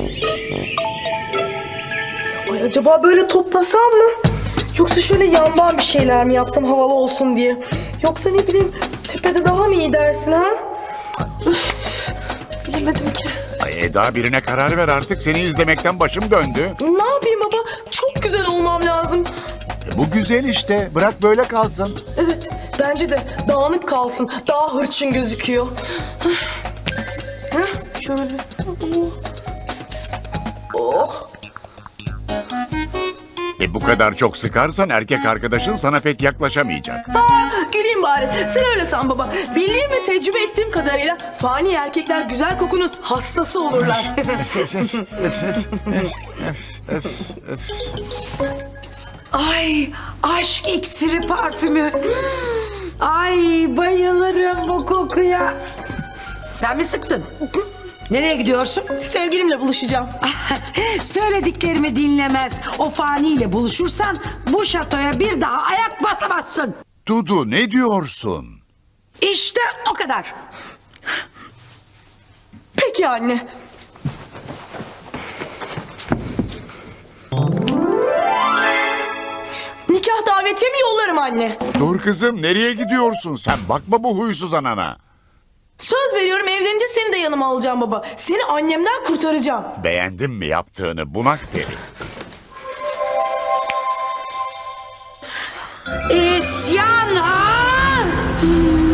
Ay acaba böyle toplasam mı? Yoksa şöyle yandan bir şeyler mi yapsam havalı olsun diye? Yoksa ne bileyim tepede daha mı iyi dersin ha? Üf, bilemedim ki. Ay Eda, birine karar ver artık. Seni izlemekten başım döndü. Ne yapayım baba? Çok güzel olmam lazım. Bu güzel işte. Bırak böyle kalsın. Evet, bence de dağınık kalsın. Daha hırçın gözüküyor. Hah, şöyle. Oh. Bu kadar çok sıkarsan erkek arkadaşın sana pek yaklaşamayacak. Güleyim bari. Sen öyle san baba. Bildiğim ve tecrübe ettiğim kadarıyla fani erkekler güzel kokunun hastası olurlar. Ay, aşk iksiri parfümü. Ay, bayılırım bu kokuya. Sen mi sıktın? Nereye gidiyorsun? Sevgilimle buluşacağım. Söylediklerimi dinlemez. O faniyle buluşursan bu şatoya bir daha ayak basamazsın. Dudu, ne diyorsun? İşte o kadar. Peki anne. Nikah davetiye mi yollarım anne? Dur kızım, nereye gidiyorsun sen? Bakma bu huysuz anana. Söz veriyorum evlenince seni de yanıma alacağım baba. Seni annemden kurtaracağım. Beğendin mi yaptığını bunak peri? İsyan ha!